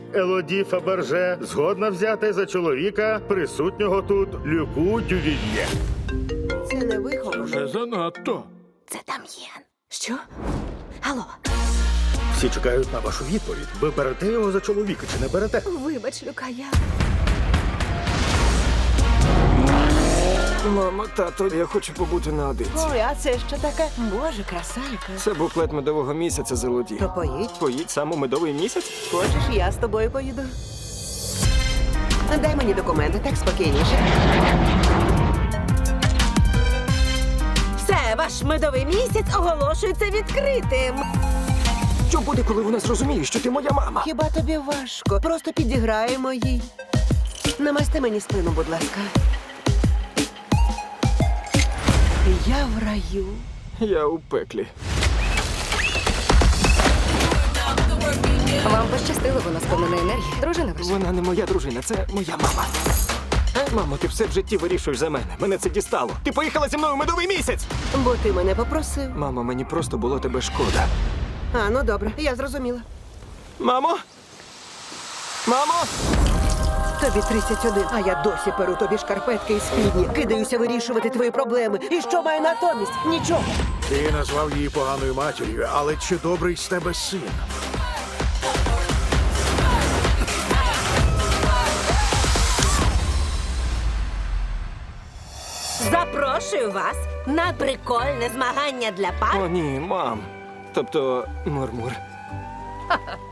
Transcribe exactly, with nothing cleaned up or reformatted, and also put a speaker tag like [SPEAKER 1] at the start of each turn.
[SPEAKER 1] Елоді Фаберже згодна взяти за чоловіка присутнього тут Люку Дювільє.
[SPEAKER 2] Це не виховано.
[SPEAKER 3] Вже занадто.
[SPEAKER 2] Це Дам'єн. Що? Алло,
[SPEAKER 1] Всі чекають на вашу відповідь. Ви берете його за чоловіка чи не берете?
[SPEAKER 2] вибач, Люка, я...
[SPEAKER 4] Мамо, тато, я хочу побути наодинці.
[SPEAKER 2] Ой, а це що таке? Боже, краса яка.
[SPEAKER 4] Це буклет медового місяця зелоді.
[SPEAKER 2] То поїдь.
[SPEAKER 4] Поїдь саме медовий місяць?
[SPEAKER 2] Хочеш, я з тобою поїду? Дай мені документи, так спокійніше. Все, ваш медовий місяць оголошується відкритим.
[SPEAKER 4] Що буде, коли вона зрозуміє, що ти моя мама?
[SPEAKER 2] Хіба тобі важко? Просто підіграємо їй. Намасти мені спину, будь ласка. Я в раю.
[SPEAKER 4] Я у пеклі.
[SPEAKER 5] Вам пощастило, вона сповнена енергії. Дружина ваша.
[SPEAKER 4] Вона не моя дружина, це моя мама. Е, мамо, ти все в житті вирішуєш за мене. Мене це дістало. Ти поїхала зі мною у медовий місяць!
[SPEAKER 2] Бо ти мене попросив.
[SPEAKER 4] Мамо, мені просто було тебе шкода.
[SPEAKER 2] А, ну добре, я зрозуміла.
[SPEAKER 4] Мамо? Мамо?
[SPEAKER 2] Тобі тридцять один, а я досі перу тобі шкарпетки і спідні. Кидаюся вирішувати твої проблеми. І що маю натомість? Нічого.
[SPEAKER 3] Ти назвав її поганою матір'ю, але чи добрий з тебе син?
[SPEAKER 6] Запрошую вас на прикольне змагання для пар.
[SPEAKER 4] О, ні, мам. Тобто, мур-мур.